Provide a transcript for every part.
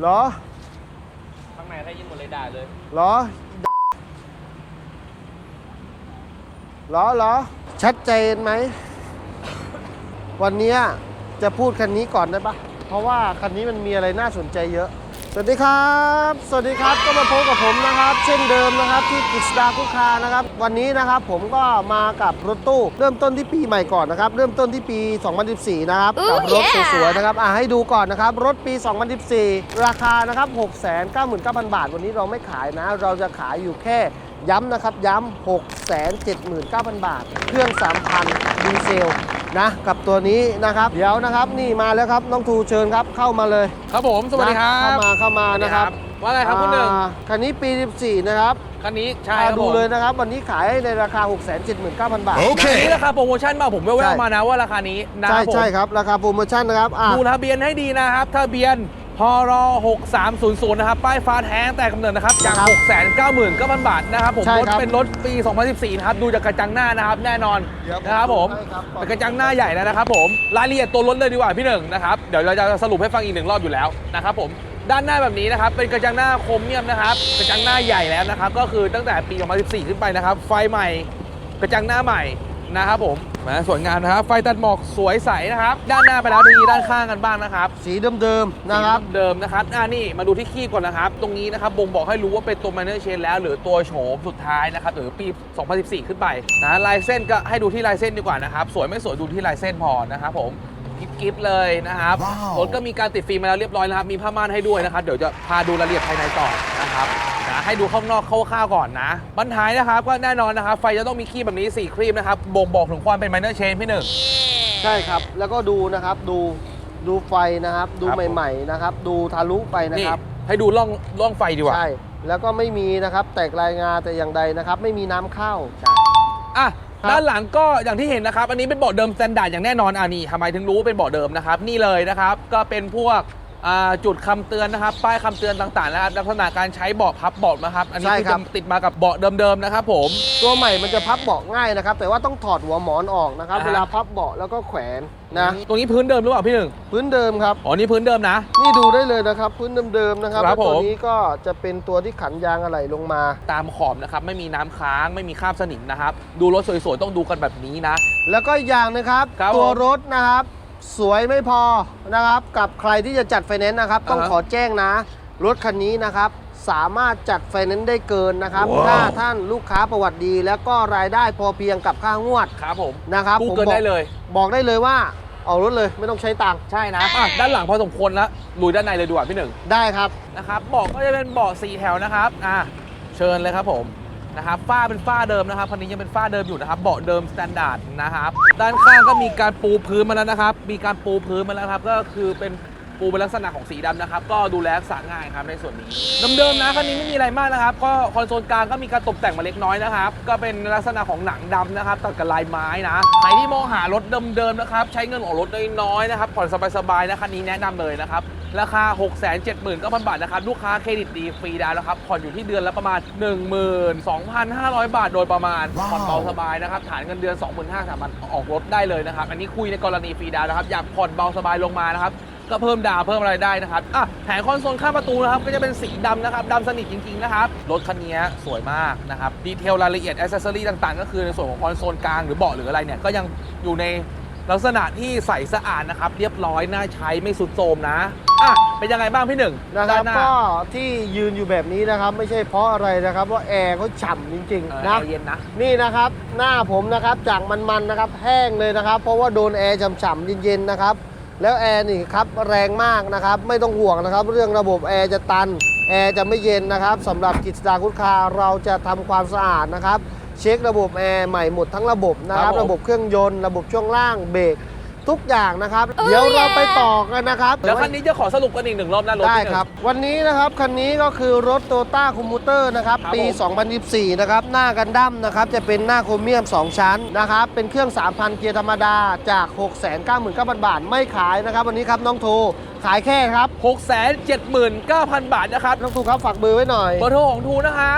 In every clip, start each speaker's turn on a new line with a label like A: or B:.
A: รอ
B: ข้างในถ้ายิงหมดเลยด่าเลย
A: เหรอชัดเจนไหมวันนี้จะพูดคันนี้ก่อนได้ปะเพราะว่าคันนี้มันมีอะไรน่าสนใจเยอะสวัสดีครับก็มาพบกับผมนะครับเช่นเดิมนะครับที่กฤษดาคุกคานะครับวันนี้นะครับผมก็มากับรถตู้เริ่มต้นที่ปีใหม่ก่อนนะครับเริ่มต้นที่ปี 2014 นะครับกับรถสวยๆนะครับให้ดูก่อนนะครับรถปี 2014 ราคานะครับ 699,000 บาทวันนี้เราไม่ขายนะเราจะขายอยู่แค่ย้ำนะครับย้ำ 679,000 บาทเครื่อง 3,000 ดีเซลนะกับตัวนี้นะครับเดี๋ยวนะครับนี่มาแล้วครับน้องทูเชิญครับเข้ามาเลย
B: ครับผมสวัสดีครับ
A: เข้ามานะครับ
B: ว่าไงครับคุณหนึ่ง
A: คันนี้ปี 14 นะครับ
B: คันนี้ใช่ครับ
A: ดูเลยนะครับวันนี้ขายในราคา 679,000 บาท
B: โอเคนี่ราคาโปรโมชั่นมาผมแว่วๆมานะว่าราคานี้นะ
A: ใช่ครับราคาโปรโมชั่นนะครับ
B: ดูทะเบียนให้ดีนะครับทะเบียนพร6300นะครับป้ายฟ้าแท้งแต่กำเนิดนะครับจาก 699,000 บาทนะครับผมรถเป็นรถปี 2014 นะครับดูจากกระจังหน้านะครับแน่นอนนะครับผมเป็นกระจังหน้าใหญ่แล้วนะครับผมรายละเอียดตัวรถเลยดีกว่าพี่หนึ่งนะครับเดี๋ยวเราจะสรุปให้ฟังอีก1 รอบอยู่แล้วนะครับผมด้านหน้าแบบนี้นะครับเป็นกระจังหน้าโครเมียมนะครับกระจังหน้าใหญ่แล้วนะครับก็คือตั้งแต่ปี 2014 ขึ้นไปนะครับไฟใหม่กระจังหน้าใหม่นะครับผมสวยงามนะครับไฟตัดหมอกสวยใสนะครับด้านหน้าไปแล้วทีนี้ด้านข้างกันบ้างนะครับ
A: สีเดิมๆนะครับ
B: เดิมนะครับนี่มาดูที่คีบก่อนนะครับตรงนี้นะครับบ่งบอกให้รู้ว่าเป็นตัว Minor Change แล้วหรือตัวโฉมสุดท้ายนะครับหรือปี 2014 ขึ้นไปนะลายเส้นก็ให้ดูที่ลายเส้นดีกว่านะครับสวยไม่สวยดูที่ลายเส้นพอนะครับผมกิฟต์เลยนะครับรถก็มีการติดฟิล์มมาแล้วเรียบร้อยนะครับมีผ้าม่านให้ด้วยนะครับเดี๋ยวจะพาดูรายละเอียดภายในต่อนะครับให้ดูข้างนอกคร่าวๆก่อนนะบรรท้ายนะครับก็แน่นอนนะครับไฟจะต้องมีครีมแบบนี้4ครีมนะครับบ่งบอกถึงความเป็น Minor Change พี่หนึ่ง
A: ใช่ครับแล้วก็ดูนะครับดูไฟนะครับดูใหม่ๆนะครับดูทะลุไปนะครับ
B: ให้ดูร่องไฟดีกว่า
A: ใช่แล้วก็ไม่มีนะครับแตกรายงาแต่อย่างใดนะครับไม่มีน้ำเข้า
B: ใช่ด้านหลังก็อย่างที่เห็นนะครับอันนี้เป็นเบาะเดิมสแตนดาร์ดอย่างแน่นอนนี่ทำไมถึงรู้เป็นเบาะเดิมนะครับนี่เลยนะครับก็เป็นพวกจุดคำเตือนนะครับป้ายคำเตือนต่างๆนะครับลักษณะการใช้เบาะพับเบาะนะครับอันนี้คือติดมากับเบาะเดิมๆนะครับผม
A: ตัวใหม่มันจะพับเบาะง่ายนะครับแต่ว่าต้องถอดหัวหมอนออกนะครับเวลาพับเบาะแล้วก็แขวนนะ
B: ตรงนี้พื้นเดิมหรือเปล่าพี่หนึ่ง
A: พื้นเดิมครับ
B: อ๋อนี่พื้นเดิมนะ
A: นี่ดูได้เลยนะครับพื้นเดิมๆนะครับแล้วตัวนี้ก็จะเป็นตัวที่ขันยางอะไหล่ลงมา
B: ตามขอบนะครับไม่มีน้ำค้างไม่มีคราบสนิมนะครับดูรถสวยๆต้องดูกันแบบนี้นะ
A: แล้วก็อย่างนะครับตัวรถนะครับสวยไม่พอนะครับกับใครที่จะจัดไฟแนนซ์นะครับต้องขอแจ้งนะรถคันนี้นะครับสามารถจัดไฟแนนซ์ได้เกินนะครับถ้าท่านลูกค้าประวัติดีแล้วก็รายได้พอเพียงกับค่างวด
B: ครับผม
A: นะครับ
B: ผมบอกได้เลย
A: บอกได้เลยว่าเอารถเลยไม่ต้องใช้ตังค์
B: ใช่นะด้านหลังพอสมควรแล้วลุยด้านในเลยดีกว่าพี่หนึ่ง
A: ได้ครับ
B: นะครับเบาะก็จะเป็นเบาะ4 แถวนะครับเชิญเลยครับผมนะครับฝ้าเป็นฝ้าเดิมนะครับคันนี้ยังเป็นฝ้าเดิมอยู่นะครับเบาะเดิมสแตนดาร์ดนะครับด้านข้างก็มีการปูพื้นมาแล้วนะครับมีการปูพื้นมาแล้วครับก็คือเป็นปูเป็นลักษณะของสีดำนะครับก็ดูแลรักษาง่ายครับในส่วนนี้เดิมๆนะคันนี้ไม่มีอะไรมากนะครับก็คอนโซลกลางก็มีการตกแต่งมาเล็กน้อยนะครับก็เป็นลักษณะของหนังดำนะครับตัดกับลายไม้นะใครที่มองหารถเดิมๆนะครับใช้เงินออกรถน้อยๆนะครับผ่อนสบายๆนะคันนี้แนะนำเลยนะครับราคา 679,000 บาทนะครับลูกค้าเครดิตดีฟรีดาวน์แล้วครับผ่อนอยู่ที่เดือนละประมาณ 12,500 บาทโดยประมาณผ่อนเบาสบายนะครับฐานเงินเดือน 25,000 สามารถออกรถได้เลยนะครับอันนี้คุยในกรณีฟรีดาวน์นะครับอยากผ่อนเบาสบายลงมานะครับก็เพิ่มดาวเพิ่มอะไรได้นะครับแผงคอนโซลข้างประตูนะครับก็จะเป็นสีดำนะครับดำสนิทจริงๆนะครับรถคันนี้สวยมากนะครับดีเทลรายละเอียดแอคเซสซอรี่ต่างๆก็คือในส่วนของคอนโซลกลางหรือเบาะหรืออะไรเนี่ยก็ยังอยู่ในลักษณะที่ใสสะอาดนะครับเรียบร้อยน่าใช้ไม่สุดโทรมนะเป็นยังไงบ้างพี่หนึ่ง
A: นะครับก็ที่ยืนอยู่แบบนี้นะครับไม่ใช่เพราะอะไรนะครับว่าแอร์เขาฉ่ำจริงๆนะ
B: เย็นนะ
A: นี่นะครับหน้าผมนะครับจากมันๆนะครับแห้งเลยนะครับเพราะว่าโดนแอร์ฉ่ำๆเย็นๆนะครับแล้วแอร์นี่ครับแรงมากนะครับไม่ต้องห่วงนะครับเรื่องระบบแอร์จะตันแอร์จะไม่เย็นนะครับสำหรับกฤษดาคุกคาเราจะทำความสะอาดนะครับเช็คระบบแอร์ใหม่หมดทั้งระบบนะครับระบบเครื่องยนต์ระบบช่วงล่างเบรกทุกอย่างนะครับเดี๋ยวเราไปต่อกันนะครับ
B: แล้วคันนี้จะขอสรุปกันอีก1 รอบนะรถ
A: ได้ครับวันนี้นะครับคันนี้ก็คือรถ Toyota Commuter นะครับปี 2024 นะครับหน้ากันดั้มนะครับจะเป็นหน้าโครเมียม2 ชั้นนะครับเป็นเครื่อง 3,000 เกียร์ธรรมดาจาก 699,000 บาทไม่ขายนะครับวันนี้ครับน้องโทขายแค่ครับ
B: 679,000 บาทนะครับ
A: น้องทูครับฝากเบอร์ไว้หน่อย
B: เบอร์โทรของทูนะครับ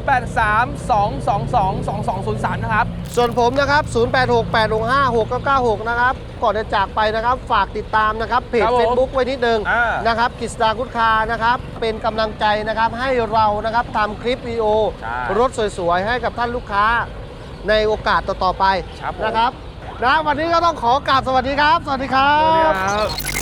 B: 0832222203 นะครับ
A: ส่วนผมนะครับ 0868656996 นะครับ ก่อนจะจากไปนะครับ ฝากติดตามนะครับ เพจ
B: ครับผม
A: Facebook ไว้นิดนึง
B: อ่าน
A: นะครับกิษดากุดคานะครับ เป็นกำลังใจนะครับให้เรานะครับทำคลิปวิดีโอ
B: ใช่
A: รถสวยๆ ให้กับท่านลูกค้าในโอกาสต่อๆไป
B: ครับผม
A: นะครับนะวันนี้ก็ต้องขอกราบสวัสดีครับ สวัสดีครั
B: สวัสดี
A: บ
B: ครับ